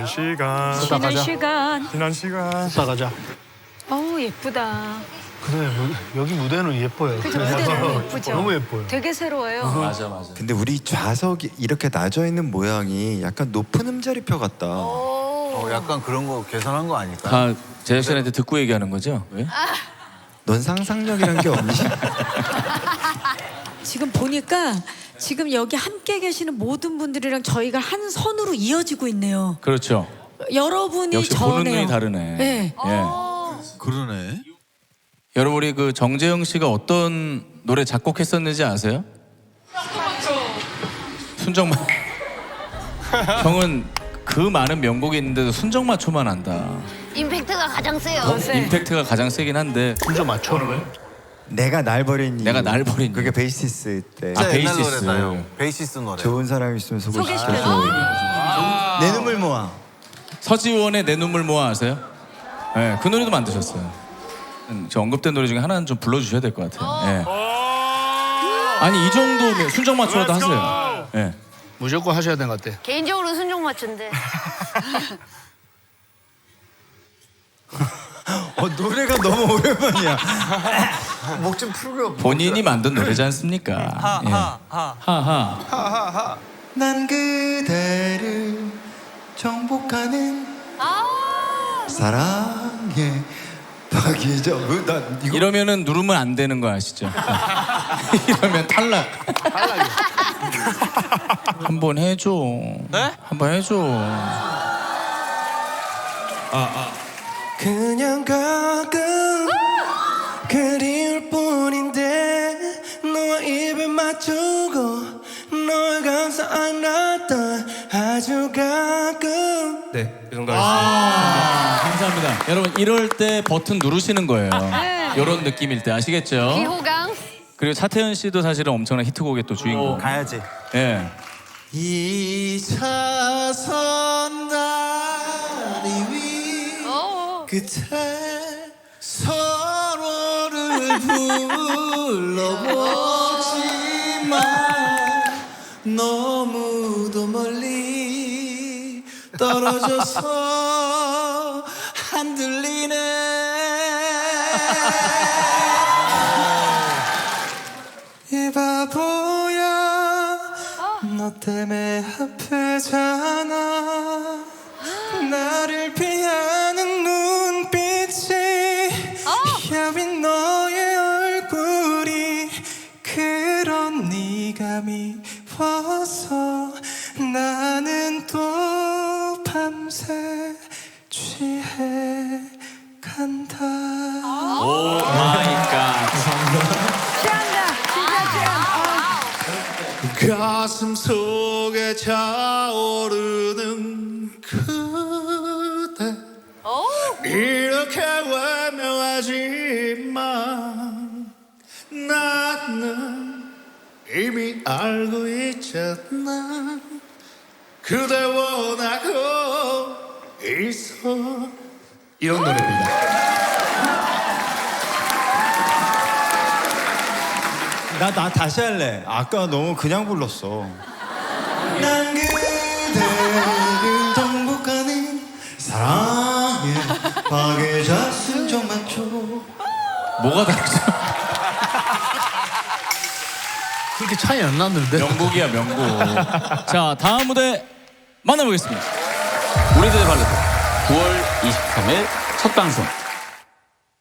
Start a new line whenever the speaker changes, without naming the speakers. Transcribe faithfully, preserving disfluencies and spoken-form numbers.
시간.
쉬는
가자.
시간.
지난 시간.
걷다 가자.
어우 예쁘다.
그래 무- 여기 무대는 예뻐요.
그죠, 무대는 예쁘죠.
너무 예뻐요.
되게 새로워요.
맞아 맞아.
근데 우리 좌석이 이렇게 낮아 있는 모양이 약간 높은 음자리표 같다.
어, 약간 그런 거 계산한 거 아닐까?
다 제작진한테 듣고 얘기하는 거죠? 왜?
넌 상상력이란 게 없니?
지금 보니까 지금 여기 함께 계시는 모든 분들이랑 저희가 한 선으로 이어지고 있네요.
그렇죠.
여러분이
역시
저네요.
보는 눈이 다르네.
네.
예.
그러네.
여러분 우리 그 정재영 씨가 어떤 노래 작곡했었는지 아세요? 순정마. 형은 그 많은 명곡이 있는데도 순정마초만 한다.
임팩트가 가장 세요.
임팩트가 가장 세긴 한데.
순서 맞춰.
내가 날 버린 이유.
내가 날 버린
그게 베이시스 때.
아,
진짜 옛날
베이시스.
노래다, 형. 베이시스 노래.
좋은 사람 있으면 소개시켜줘.
소개시켜줘.
내 눈물 모아.
서지원의 내 눈물 모아 아세요? 네, 그 노래도 만드셨어요. 음, 저 언급된 노래 중에 하나는 좀 불러주셔야 될 것 같아요. 예. 아니 이 정도 순정마초라도 하세요. 예.
무조건 하셔야 되는 것 같아.
개인적으로 순정 맞춘데.
어, 노래가 너무 오랜만이야. 목 좀 풀고.
본인이 만든 노래지 않습니까? 예. 하하.
하하하. 난 그대를 정복하는 사랑의 박이죠. 어, 나 이거
이러면은 누르면 안 되는 거 아시죠? 이러면 탈락. 한번 해줘. 네? 한번 해줘.
그냥 가끔 그리울 뿐인데 너와 입을 맞추고 널 감싸 안았던 아주 가끔.
네, 이 정도 하겠습니다.
아, 감사합니다. 여러분 이럴 때 버튼 누르시는 거예요.
네.
이런 느낌일 때 아시겠죠?
비호강.
그리고 차태현 씨도 사실은 엄청난 히트곡의 또 주인공.
가야지.
예.
이차선 다리 위
어.
끝에 서로를 불러보지만 너무도 멀리 떨어져서 안 들리네. 이 바보야 너 때문에 아프잖아. 나를 피하는 눈빛이 야윈 너의 얼굴이 그런 네가 미워서 나는 또 밤새 취해 간다.
오 마이 갓.
취한다. 진짜 취한다.
가슴 속에 차오르는 그대 이렇게 외면하지만 나는 이미 알고 있잖아. 그대 원하고 있어.
이런 노래입니다.
나, 나 다시 할래. 아까 너무 그냥 불렀어. 난 그대를 정복하는 사랑의 박애자 순정마초.
뭐가 다르죠?
그렇게 차이 안 났는데.
명곡이야 명곡. 자 다음 무대 만나보겠습니다. 우리들의 발레 구월 이십삼일 첫 방송